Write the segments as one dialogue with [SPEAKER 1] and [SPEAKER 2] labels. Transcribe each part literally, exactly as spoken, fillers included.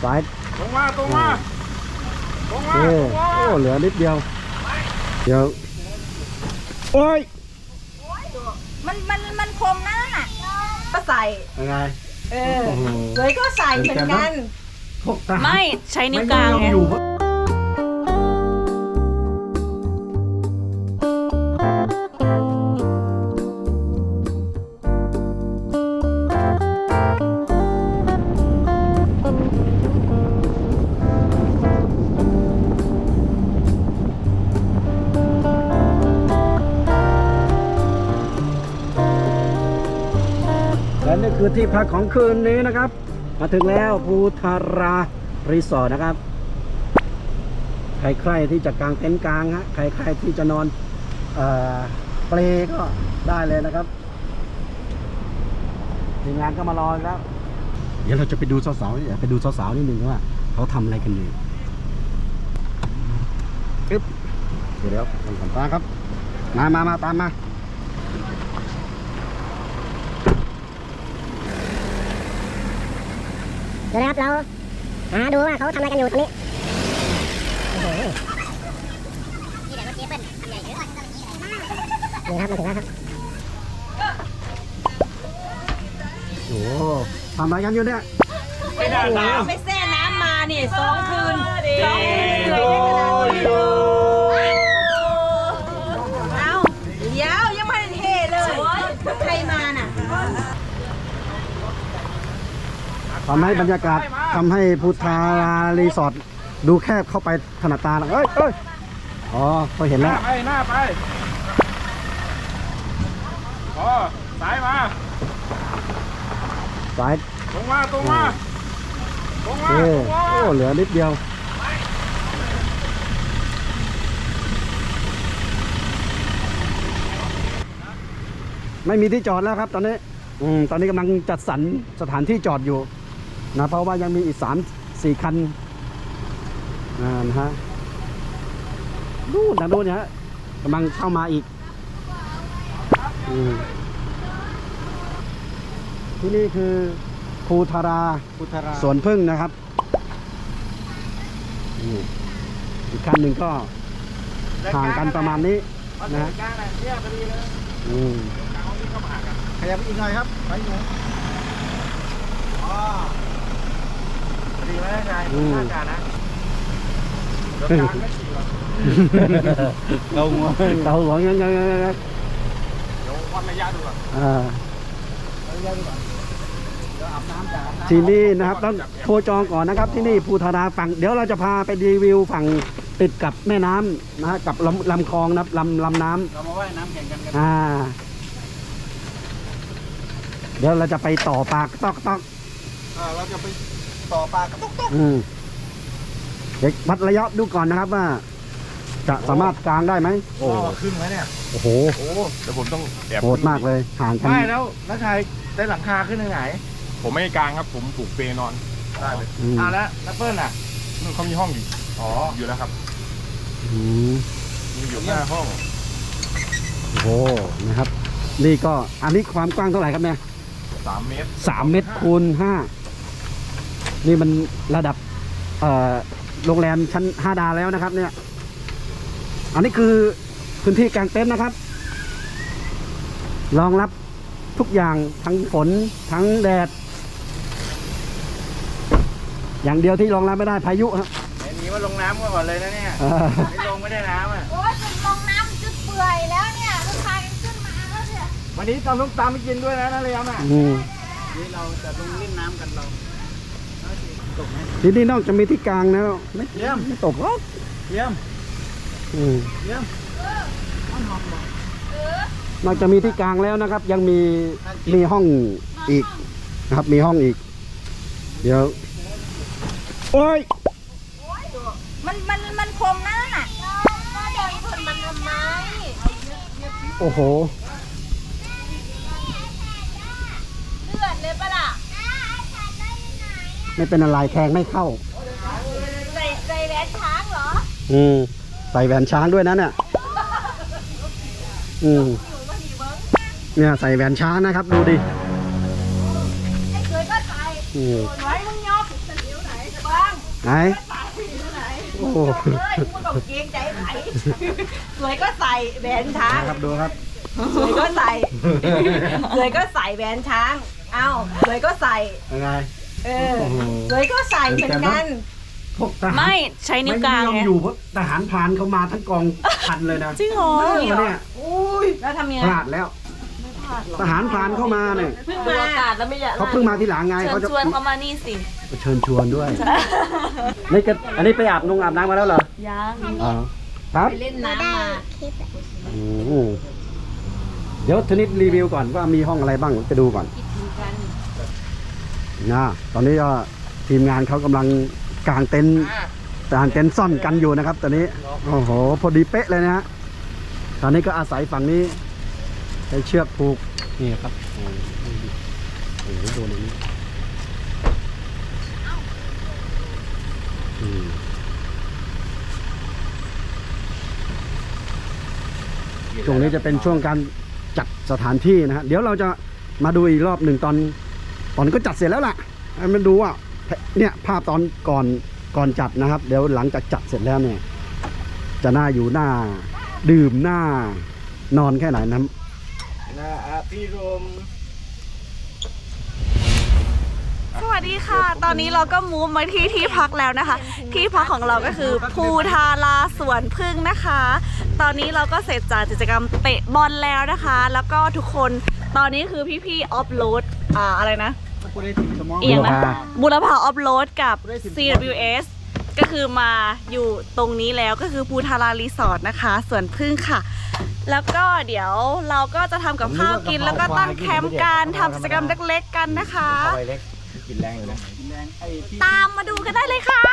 [SPEAKER 1] สาย
[SPEAKER 2] ตรงมาตรงมาตรงมา
[SPEAKER 1] โอ้โอ้เหลือนิดเดียวเดี๋ยวโอ้ย
[SPEAKER 3] มันมันมันคมนะก็ใส่
[SPEAKER 1] ยังไง
[SPEAKER 3] เออเลยก็ใส่เหมือนกัน
[SPEAKER 4] ไม่ใช้นิ้วกลางไง
[SPEAKER 1] และนี่คือที่พักของคืนนี้นะครับมาถึงแล้วภูทารารีสอร์ทนะครับใครๆที่จะกางเต็นท์กลางฮะใครๆที่จะนอนเอ่อเปลก็ได้เลยนะครับทีมงานก็มารอแล้วเดี๋ยวเราจะไปดูสาวๆนี่ไปดูสาวๆนิดนึงว่าเขาทำอะไรกันอยู่ปึ๊บเดี๋ยวลงสัมภาษณ์ครับมามามาตามมา
[SPEAKER 5] เดี๋ยวนะครับเราหาดูว่าเขาทำอะไรกันอยู่ตรงนี้โอ้โหนี่แหละรถเจ๊เปิ้ลใหญ่เยอะนี่ครับมาถึงแล้วครับ
[SPEAKER 1] โอ้ทำอะไรกันอยู่เนี่ย
[SPEAKER 3] ไม่ได้น้ำไม่แช่น้ำมานี่สองคืนสองคืนเลยได้ขนาดนี้เอาเดี๋ยวยังไม่ได้เทเลยใครมาน่ะ
[SPEAKER 1] ทำให้บรรยากาศทำให้ภูทารารีสอร์ทดูแคบเข้าไปถนัดตาแล้วเอ้ยเอ้ยอ๋อเขาเห็น
[SPEAKER 2] ห
[SPEAKER 1] แล้
[SPEAKER 2] น้าว ไปหน้าไปอ๋อสายมา
[SPEAKER 1] สาย
[SPEAKER 2] ตรงมาตรงมาตรงมา
[SPEAKER 1] โอ้
[SPEAKER 2] ตรงมา
[SPEAKER 1] โอ้เหลือนิดเดียวไม่มีที่จอดแล้วครับตอนนี้อืมตอนนี้กำลังจัดสรรสถานที่จอดอยู่นะเพราะว่ายังมีอีกสามสี่คันอ่านะฮะนู่นนะนู่นเนี่ยกำลังเข้ามาอีกอืมที่นี่คือภูทาราสวนพึ่งนะครับนี่อีกคันหนึ่งก็ห่างกันประมาณนี้นะฮะอืม
[SPEAKER 2] ขยับอีกหน่อยครับไปหน่อยอ๋อดีไหมนายข้าการนะรถกลางไม่ขี่หรอกเราหัว
[SPEAKER 1] เราหัวยังยังยังยัง
[SPEAKER 2] เดี๋ยววัดระยะดูก่อน
[SPEAKER 1] อ่า
[SPEAKER 2] ระยะดูก่อนเดี๋ยวอาบน้ำจาก
[SPEAKER 1] ที่นี่นะครับต้องโทรจองก่อนนะครับที่นี่ภูทาราฝั่งเดี๋ยวเราจะพาไปรีวิวฝั่งติดกับแม่น้ำนะฮะกับลำลำคลองนะครับลำลำน้ำ
[SPEAKER 2] เรามาว่ายน้ำแข่งกันกัน
[SPEAKER 1] อ่าเดี๋ยวเราจะไปต่อปากตอกตอก
[SPEAKER 2] อ่าเราจะไปต่อปลากระตุกตุก
[SPEAKER 1] อืมเดี๋ยววัดระยะดูก่อนนะครับว่าจะสามารถกางได้ไหม
[SPEAKER 2] โอ้ขึ้นไหมเนี่ย
[SPEAKER 1] โอ้โห
[SPEAKER 2] โอ้เดี๋ยวผมต้องแอบ
[SPEAKER 1] โหดมากเลยห่างกัน
[SPEAKER 2] ไม่แล้วนักชายได้หลังคาขึ้นไหนผมไม่กลางครับผมผูกเปนอนได้เลยอ่าแล้วนักเปิ้ลน่ะนู่นเขามีห้องอยู่อ๋ออยู่แล้วครับ
[SPEAKER 1] อืม
[SPEAKER 2] มีอยู่หน้าห้อง
[SPEAKER 1] โอ้โหนะครับนี่ก็อันนี้ความกว้างเท่าไหร่ครับเนี่ย
[SPEAKER 2] สามเมตร
[SPEAKER 1] สามเมตรคูณห้านี่มันระดับเอ่อโรงแรมชั้นห้าดาวแล้วนะครับเนี่ยอันนี้คือพื้นที่กางเต็นท์นะครับรองรับทุกอย่างทั้งฝนทั้งแดดอย่างเดียวที่รองรับไม่ได้พายุครับ
[SPEAKER 2] ไอ้นี้ว่าลงน้ำก่อนเลยนะเนี่ยไม่ลงไม่ได้น้ำอ่ะ
[SPEAKER 3] โอ้ยจุดลงน้ำจุดเปื่อยแล้วเนี่ยลูกชายกันขึ้นมาแล้วเนี่ย
[SPEAKER 2] วันนี้ตำลูกตามไปกินด้วยนะนักเรียนอ่ะนี่เราจะลงเล่นน้ำกันเราตกไหม
[SPEAKER 1] ที่นี่นอกจากมีที่กลางแล้วไม่
[SPEAKER 2] เยี่ยม
[SPEAKER 1] ไม่ตกหรอก
[SPEAKER 2] เยี่ยม
[SPEAKER 1] อืม
[SPEAKER 2] เยี่ยม
[SPEAKER 1] นอกจากมีที่กลางแล้วนะครับ ยังมีมีห้องอีกนะครับมีห้องอีกเดี๋ยวโอ้ย
[SPEAKER 3] มันมันมันคมนะก็เดินชนมันทำไม
[SPEAKER 1] โอ้โห
[SPEAKER 3] เลือดเลยปะล่ะ
[SPEAKER 1] ไม่เป็นอะไรแทงไม่เข้า
[SPEAKER 3] ใส่ใส่แหวนช้างเหรอ
[SPEAKER 1] อืมใส่แหวนช้างด้วยนะเนี่ยอืมเนี่ยใส่แหวนช้างนะครับดูดิ
[SPEAKER 3] ไอ้เคยก็ใส่
[SPEAKER 1] อืม
[SPEAKER 3] ไว้มึงยอมเดี๋ยวไหนบ้า
[SPEAKER 1] ไหนโอ้โห
[SPEAKER 3] เฮ้ยพูดกับเกรงใจไหนสวยก็ใส่แหวนช้าง
[SPEAKER 1] นะครับดูครับ
[SPEAKER 3] สวยก็ใส่สวยก็ใส่แหวนช้าง เอ้าสวยก็ใส่
[SPEAKER 1] ยังไง
[SPEAKER 3] เออ
[SPEAKER 1] โอ้โห
[SPEAKER 3] สวยก็ใส่เหมือนกัน
[SPEAKER 1] พวกทหาร
[SPEAKER 4] ไม่ใช้นิ้วกลาง
[SPEAKER 1] ไม่ยอม
[SPEAKER 4] ไง
[SPEAKER 1] อยู่เพราะทหารพรานเขามาทั้งกองพันเลยนะ
[SPEAKER 4] จริงเหรอ
[SPEAKER 1] เออเนี่ย
[SPEAKER 3] อุ้ยแล้วทำยังไง
[SPEAKER 1] พลาดแล้ว ทหารพรานเข้ามาเนี่ย
[SPEAKER 3] เพิ่งมาอากาศแล้วไม่อยาก
[SPEAKER 1] เขาเพิ่งมาทีหลังไง
[SPEAKER 4] เชิ
[SPEAKER 1] เขา
[SPEAKER 4] ญ
[SPEAKER 1] จะ
[SPEAKER 4] ชวนเขามานี่สิ
[SPEAKER 1] เชิญชวนด้วยนี่ก็อันนี้ไปอาบนงอาบน้ำมาแล้วเหรอ
[SPEAKER 4] ยัง
[SPEAKER 1] อ๋อครับ
[SPEAKER 3] ไปเล่นน้ำมา
[SPEAKER 5] คลิปอะ
[SPEAKER 1] โอ้โหเดี๋ยวทนิดรีวิวก่อนว่ามีห้องอะไรบ้างจะดูก่อนนะตอนนี้ก็ทีมงานเขากำลังกางเต็นท์กางเต็นท์ซ่อนกันอยู่นะครับ ตอนนี้โอ้โหพอดีเป๊ะเลยนะฮะตอนนี้ก็อาศัยฝั่งนี้ใช้เชือกผูกนี่ครับโอ้โหโดนอันนี้อืมช่วงนี้จะเป็นช่วงการจัดสถานที่นะฮะเดี๋ยวเราจะมาดูอีกรอบหนึ่งตอนตอนก็จัดเสร็จแล้วล่ะให้มันดูว่าเนี่ยภาพตอนก่อนก่อนจัดนะครับ เดี๋ยวหลังจากจัดเสร็จแล้วเนี่ยจะน่าอยู่หน้าดื่มหน้านอนแค่ไหนนะ
[SPEAKER 2] นะอาพี่รม
[SPEAKER 4] สวัสดีค่ะ ตอนนี้เราก็มูฟมาที่ที่พักแล้วนะคะ ที่พักของเราก็คือภูทาราสวนพึ่งนะคะ ตอนนี้เราก็เสร็จจากกิจกรรมเตะบอลแล้วนะคะ แล้วก็ทุกคนตอนนี้คือพี่ๆออฟโหลดอ่าอะไรนะ เอียงนะบุรพาออฟโหลดกับ ซี ดับเบิลยู เอส ก็คือมาอยู่ตรงนี้แล้วก็คือภูทารารีสอร์ทนะคะสวนพึ่งค่ะ แล้วก็เดี๋ยวเราก็จะทำกับข้าวกินแล้วก็ตั้งแคมป์กันทำกิจกรรมเล็กๆกันนะคะ
[SPEAKER 2] เอาไปเล็กกินแรงอยู่นะ
[SPEAKER 4] ตามมาดูกันได้เลยค่ะ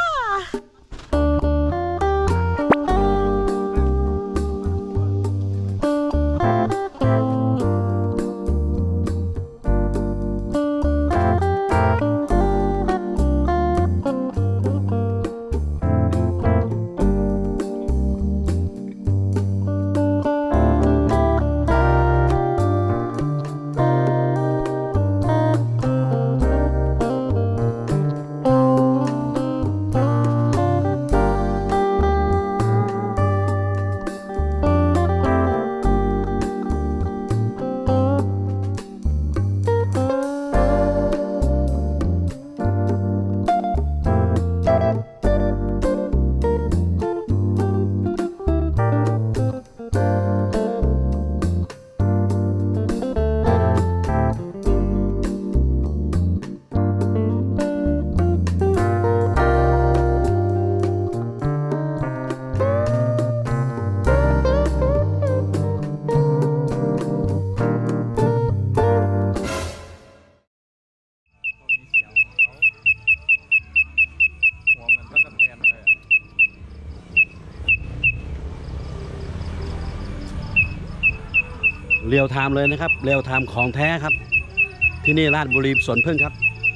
[SPEAKER 2] หัวเหมือนตะกั่วแตนเลย
[SPEAKER 1] เรียวไทม์เลยนะครับเรียวไทม์ของแท้ครับ ที่นี่ราชบุรีสวนพึ่งครับ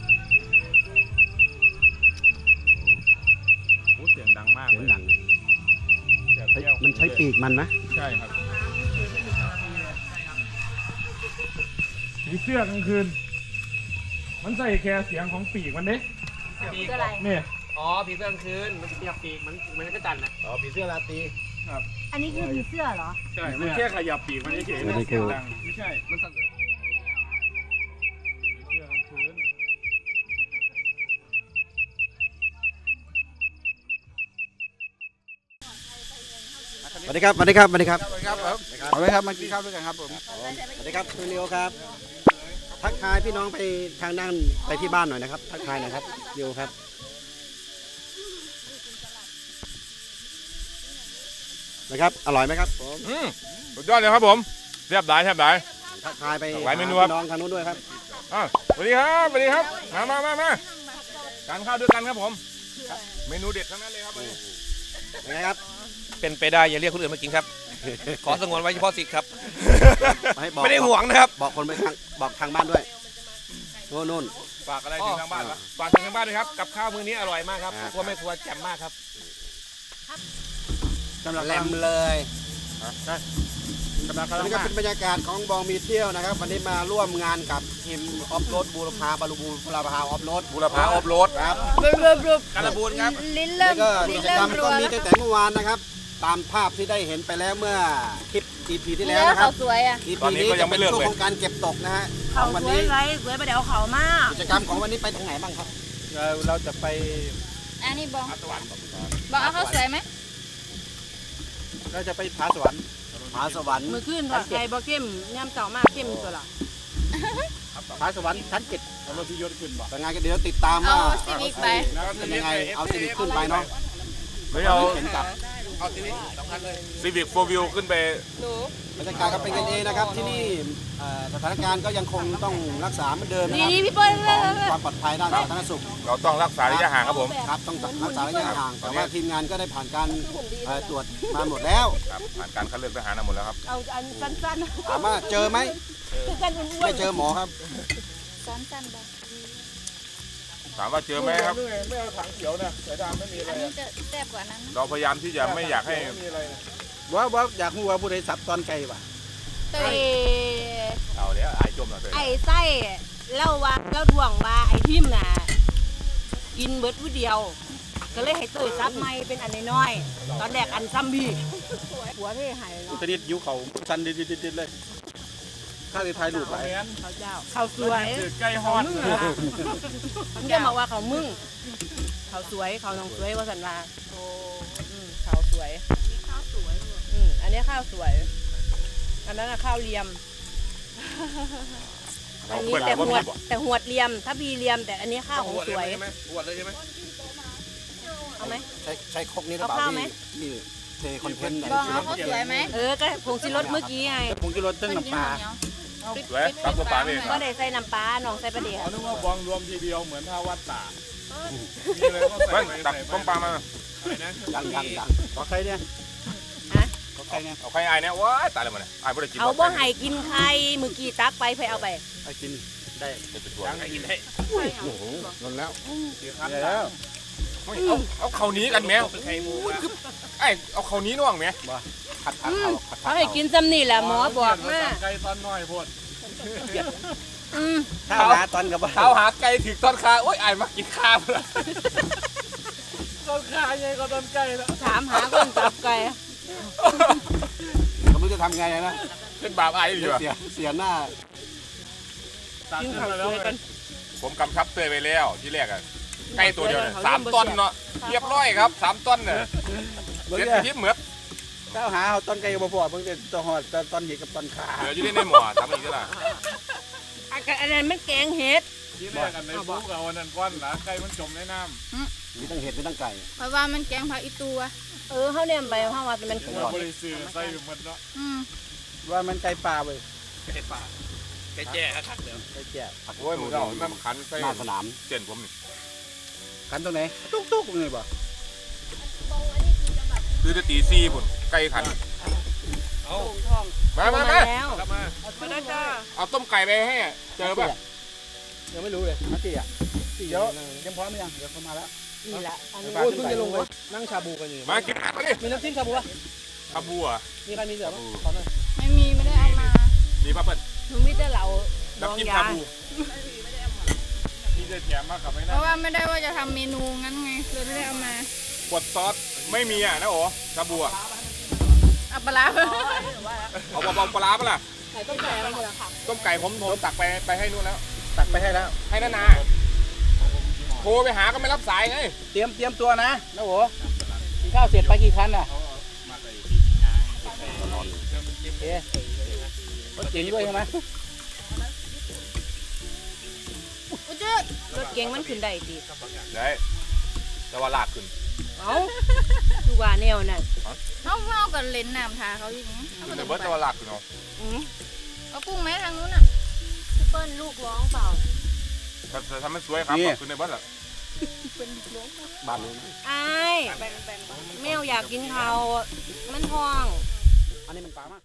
[SPEAKER 2] โอ้เสียงดังมาก
[SPEAKER 1] เสียงดัง
[SPEAKER 2] เสียงเปรี้ยว
[SPEAKER 1] มันใช้ปีกมันนะ
[SPEAKER 2] ใช่ครับผีเสื้อกลางคืน มันใส่แค่เสียงของปีกมันเด้
[SPEAKER 3] ปีกอะไร
[SPEAKER 2] เนี่ย
[SPEAKER 6] อ๋อผีเสื้อกลางคืนมันเปียกปีกมันมันก็จันทร์นะ
[SPEAKER 2] อ๋อผีเสื้อราตรี
[SPEAKER 3] อันนี้คือผีเสื้อเหรอ
[SPEAKER 2] ใช่ มันแค่ขยับปีกมันเฉยๆ
[SPEAKER 1] ไม่ได้
[SPEAKER 2] เสียง
[SPEAKER 1] คือ
[SPEAKER 2] ดังไม่ใช่ มันสั่นผีเสื้อกลางคืน
[SPEAKER 1] สวัสดีครับสวัสดีครับสวัสดีครับ
[SPEAKER 2] ครับผมเอาเลยครับมากินข้าวด้วยกันครับผม
[SPEAKER 1] สวัสดีครับคุณเลียวครับ ทักทายพี่น้องไปทางด้านไปที่บ้านหน่อยนะครับ ทักทายหน่อยครับโยครับนะครับอร่อยไหมครับผม
[SPEAKER 2] อืมสุดยอดเลยครับผมเรียบร้อยเรียบร้อย
[SPEAKER 1] ทักทายไป
[SPEAKER 2] หลายเมนู
[SPEAKER 1] ห
[SPEAKER 2] ครับ
[SPEAKER 1] พี่น้องทางนู้นด้วยครับ
[SPEAKER 2] อ่ะสวัสดีครับสวัสดีครับ มามามามาทานข้าวด้วยกันครับผม เมนูเด็ดทั้งนั้นเลยครับวันนี้
[SPEAKER 1] เป็นไงครับ
[SPEAKER 6] เป็นไปได้อย่าเรียกคนอื่นมากินครับ ขอสงวนไว้เฉพาะสิทธิ์ครับ
[SPEAKER 1] ให้บอก
[SPEAKER 6] ไม่ได้ห่วงนะครับ
[SPEAKER 1] บอกคนไปทางบอกทางบ้านด้วยโน่นนู่น
[SPEAKER 2] ฝากอะไรถึงทางบ้านวะฝากถึงทางบ้านด้วยครับ กับข้าวมื้อนี้อร่อยมากครับ
[SPEAKER 1] อ่า
[SPEAKER 2] ครัวแม่ครัวแจ่มมากครับ
[SPEAKER 1] แหลมเลย
[SPEAKER 2] กำลัง
[SPEAKER 1] อัน
[SPEAKER 2] กำลัง
[SPEAKER 1] นี้ก็
[SPEAKER 2] มา
[SPEAKER 1] เป็นบรรยากาศของบองมีเที่ยวนะครับ วันนี้มาร่วมงานกับทีมออฟโรดบูรพาบาลูบูบูรพาออฟโรด
[SPEAKER 6] บุรพาออฟโรด
[SPEAKER 1] ครับ
[SPEAKER 6] การบูนครับ
[SPEAKER 3] ลิ้น
[SPEAKER 1] แล้
[SPEAKER 3] เริ่
[SPEAKER 1] ว
[SPEAKER 3] ม
[SPEAKER 1] ก็กิจกรรมก็มีตั้งแต่เมื่อวานนะครับ ตามภาพที่ได้เห็นไปแล้วเมื่อคลิป อี พี ที่แล้วนะค
[SPEAKER 3] เขา
[SPEAKER 1] รับ
[SPEAKER 3] สวยอ่ะ
[SPEAKER 1] อี พี นี้จะเป็นช่วงของการเก็บตกนะฮะข
[SPEAKER 3] เขา
[SPEAKER 1] องวัน
[SPEAKER 3] สวย
[SPEAKER 1] นี้
[SPEAKER 3] ไรสวยไปเดี๋ยวเขามาก
[SPEAKER 1] กิจกรรมของวันนี้ไปทางไหนบ้างครับ
[SPEAKER 2] เราเราจะไป
[SPEAKER 3] อันนี้บองบอกเอาเขาสวยไหม
[SPEAKER 2] เราจะไปผาสวรรค์
[SPEAKER 1] ผาสวรรค์
[SPEAKER 7] มือขึ้นว่าใครบ่เข้มย่ำเต่ามากเข้มตัวละ
[SPEAKER 2] ผาสวรรค์ชั้นเจ็ดเอารถพิยศขึ้นบ่
[SPEAKER 1] แต่งานก็เดี๋ยวติดตามว่าเป็นยังไงเอาซีวิคขึ้นไปเนาะ
[SPEAKER 6] ไม่เอา
[SPEAKER 1] เห็นกับ
[SPEAKER 6] ซีวิกโฟวิวขึ้นไป
[SPEAKER 1] บรรยากาศก็เป็นกันเองนะครับที่นี่เอ่อสถานการณ์ก็ยังคงต้องรักษาเหมือนเดิมนะค
[SPEAKER 3] นี่
[SPEAKER 1] รับ
[SPEAKER 3] นี่พี่เปิ้ล
[SPEAKER 1] ของความปลอดภัยด้านสาธารณสุข
[SPEAKER 6] เราต้องรักษาระยะห่างครับผม
[SPEAKER 1] ครับต้องรักษาระยะห่างแต่ว่าทีมงานก็ได้ผ่านการเอ่อตรวจมาหมดแล้ว
[SPEAKER 6] ครับผ่านการคัดเลือกทหารมาหมดแล้วครับ
[SPEAKER 7] เอาอันสั้น
[SPEAKER 1] ถามว่าเจอไหม
[SPEAKER 7] ๆคือกันอ้วน
[SPEAKER 1] ไม่เจอหมอครับ
[SPEAKER 3] สั้นๆบอง
[SPEAKER 6] ถามว่าเจอไหมครับ
[SPEAKER 2] ไม่เอาถังเขียวนะสายดำไม่มีอะไร
[SPEAKER 3] อันนี้จะแซ่บกว่านั้น
[SPEAKER 6] เราพยายามที่จะไม่อยากให้
[SPEAKER 2] ว่าว่าอยากรู้ว่าผู้ใดสับตอนไก่ป่ะ
[SPEAKER 3] เต้ย
[SPEAKER 6] เอาเดี๋ยวไอ้จมเราเลย
[SPEAKER 7] ไอ้ไส้เล่าว่าเล่าดวงว่าไอ้ทิมน่ะกินเบิดผู้เดียว ก็เลยให้เตยซับไม่เป็นอันน้อยๆตอนแรกอันซ้ำพี่หัวเท่หายเนาะ
[SPEAKER 2] ตอนนี้ยิ้วเขาชันดิดๆเลยข้าจะถ่ายรูปไป
[SPEAKER 7] เขาเจ้าเขาสวย
[SPEAKER 2] ใกล้ฮอด
[SPEAKER 7] ผมจะบอกว่าเขามึงเขาสวยเขาน้องสวยว่าสันว่าโอ้อืมเขาสวยข้าวสวยอืมอันนี้ข้าวสวย อันนั้นน่ะข้าวเลียม อันนี้แต่หวดแต่หวดเลียม ถ้าพีเลียม แต่อันนี้ข้าวของสวย
[SPEAKER 6] ปวดเลยใช่ไหม
[SPEAKER 7] เอาไหม
[SPEAKER 1] ใช้ใช้ครกนี้หรือเปล่า
[SPEAKER 7] เอาข้าวไหม
[SPEAKER 1] ที่ที่เทคอนเทนต์
[SPEAKER 3] บองเอาเขาสวยไหม
[SPEAKER 7] เออ ก็ผงชิรสเมื่อกี้ไง
[SPEAKER 2] ผงชูรสตึ้งน้ำปลา
[SPEAKER 6] สวยครับตัวปลาเองค
[SPEAKER 7] ก็
[SPEAKER 6] รับ
[SPEAKER 7] ได้ใส่น้ำปลาหนองใส่ปลาเดี๋ยว
[SPEAKER 8] นึกว่าบองรวมทีเดียวเหมือนท่าวัดตามีอะไรก็
[SPEAKER 6] เฮ้
[SPEAKER 8] ใส่
[SPEAKER 6] ย
[SPEAKER 8] ไป
[SPEAKER 6] ตัก
[SPEAKER 8] ใส่ไป
[SPEAKER 6] ต้มปลามา
[SPEAKER 1] ยังยังยัง
[SPEAKER 2] ขอใครเนี่ย
[SPEAKER 7] ฮะ
[SPEAKER 2] ขอใครเนี่ย
[SPEAKER 6] เอาใครไอ้เนี่ยว้ายตายเลยมันเนี่ยไอ้บ่ได้กิน
[SPEAKER 7] เอาบ่ไห้กินไข่เมื่อกี้ตักไปไปเอาไป
[SPEAKER 2] ไปกินได้
[SPEAKER 6] เป็นตัวไอ้กินได้
[SPEAKER 1] โอ้โหนนแล้ว
[SPEAKER 2] ได้แล้ว
[SPEAKER 6] เอาเอาเขานี้กันแมวคือไอ้เอาเขานี้น่วงไหม
[SPEAKER 1] ขัดขัดเขาขัดขั
[SPEAKER 7] เขา
[SPEAKER 1] ด
[SPEAKER 7] ให้
[SPEAKER 1] เขา
[SPEAKER 7] กินซ้ำนี่แหละหมอบอกมา
[SPEAKER 8] ไก่ตอนน้อยโพด
[SPEAKER 7] อืม
[SPEAKER 2] ข้าวหาตอนกับว่า
[SPEAKER 6] เท้าหาไก่ถึงต้นคาโอ้ยไอ้มากินข้าวเลย
[SPEAKER 8] ต้นขาใหญ่กว่าต้นไก่แล้ว
[SPEAKER 7] ถามหาคนจับไก่
[SPEAKER 1] ไม่รู้จะทำไงนะ
[SPEAKER 6] เป็นบาปไอ้ดีว่ะ
[SPEAKER 1] เสียเสียหน้า
[SPEAKER 8] ตัด
[SPEAKER 7] กิน
[SPEAKER 8] ขึ้น
[SPEAKER 7] ข้าว
[SPEAKER 8] มา
[SPEAKER 7] ส
[SPEAKER 8] แล้ว
[SPEAKER 7] วยกัน
[SPEAKER 6] ผมกำชับเตยไปแล้วที่แรกอะไก่ตัวเดียวเนี่ยสามต้นเนาะเรียบร้อยครับสามต้นเนี่ย
[SPEAKER 2] เมื่อ
[SPEAKER 6] เด็ด
[SPEAKER 2] กี้
[SPEAKER 6] ที่เหมือน
[SPEAKER 2] ข้าวหาเอาตอนไก่กับพ่อเพิ่งจะตอนหอดตอนเห็ดกับตอนขา
[SPEAKER 6] เหลืออยู่ในหม้อทำอีกแล้ว
[SPEAKER 7] อันนั้นมันแกงเห็ด
[SPEAKER 8] ที่แรกกันในปุ๊กเอาวันนั้นก้อนหนาไก่มันจมในน้
[SPEAKER 1] มีตั้งเห็ดมีตั้งไก่
[SPEAKER 3] เพราะว่ามันแกงผักอีตัว
[SPEAKER 7] เออเขาเนี่ยไปเขาว่ามัน
[SPEAKER 8] ำ
[SPEAKER 7] ข
[SPEAKER 8] เรา
[SPEAKER 7] วด
[SPEAKER 8] บริสุทธิ์ใส่หมดเนาะ
[SPEAKER 3] อืม
[SPEAKER 2] ว่ามันไก่ป่าเว้ย
[SPEAKER 6] ไก่แจ้ครับเดี๋ยว
[SPEAKER 2] ไก่แก่
[SPEAKER 6] โอ้ยมึงเอามันขันใส่
[SPEAKER 1] หน้าสนาม
[SPEAKER 6] เส้นผมนี่
[SPEAKER 2] ขันตรงไหนตุ๊กตุ๊กเลยบ่
[SPEAKER 6] คือจะตีซี่บุญไก่ขัน
[SPEAKER 7] ทอง
[SPEAKER 6] มามามา
[SPEAKER 7] แล้ว
[SPEAKER 8] กลับมา
[SPEAKER 7] มาได้จ้า
[SPEAKER 6] เอาต้มไก่ไปให้อะเจอป่ะ
[SPEAKER 2] ยังไม่รู้เลยมาตีอ่ะตีเดี๋ยวยังพร้อมหรือยังเดี๋ยวเขามาแล้ว
[SPEAKER 7] นี่แหละอันนี้
[SPEAKER 2] โอ้ยเพิ่งจะลงไปนั่งชาบูกันอยู่
[SPEAKER 6] มากินมาดิ
[SPEAKER 2] มีน้ำจิ้มชาบูอ่ะ
[SPEAKER 6] คาบัว
[SPEAKER 2] มีใครมีเสือบ้างขอหน่อย
[SPEAKER 3] ไม่มีไม่ได้เอามา
[SPEAKER 6] นี่ป้าเปิ้ล
[SPEAKER 7] หนูมีแต่เหล่าดอง
[SPEAKER 6] น้ำจิ้ม
[SPEAKER 7] ยา
[SPEAKER 6] คาบู
[SPEAKER 8] ที่จะแถมมากับไม่
[SPEAKER 3] เพ
[SPEAKER 8] น่า
[SPEAKER 3] ราะว่าไม่ได้ว่าจะทำเมนูงั้นไงเลยไม่ได้เอามา
[SPEAKER 6] บดซอสไม่มีอ่ะนะโอ้คาบัว
[SPEAKER 3] เอาปลาร้า
[SPEAKER 6] เอาเบาๆปลาร้าปะล่ะ
[SPEAKER 7] ไข่ต้มไก่อะไรเหรอค่ะ
[SPEAKER 6] ต้มไก่ผมผมตักไปไปให้นู่นแล้ว
[SPEAKER 2] ตักไปให้แล้ว
[SPEAKER 6] ให้นานาโทรไปหาก็ไม่รับสายไง
[SPEAKER 2] เตรียมเตรียมตัวนะนะโหกินข้าวเสร็จไปกี่คันน่ะโอเครถเก๋งด้วยใช่ไหม
[SPEAKER 3] อุยจืด
[SPEAKER 7] รถเก๋งมันขึ้นได้ดี
[SPEAKER 6] ได้แต่ว่าลากขึ้น
[SPEAKER 7] เอ้าดูว่าแนวน่ะ
[SPEAKER 3] เอาเอากับเลนส์น้ำทาเขาอย่างนี้
[SPEAKER 6] ขึ้นในเบิร์ตแต่ว่าลากขึ้นเอา
[SPEAKER 7] อืม
[SPEAKER 3] เอากุ้งไหมทางนู้นอ่ะ
[SPEAKER 7] พี่เปิ้ลลูกร้องเปล่า
[SPEAKER 6] ถ้าถ้าทำมันสวยครับขึ้นในเบิร์ตละ
[SPEAKER 1] บ้านนี้
[SPEAKER 7] ไอ้ายแมวอยากกินเขาวมันท้อง
[SPEAKER 1] อันนี้มันปลามาก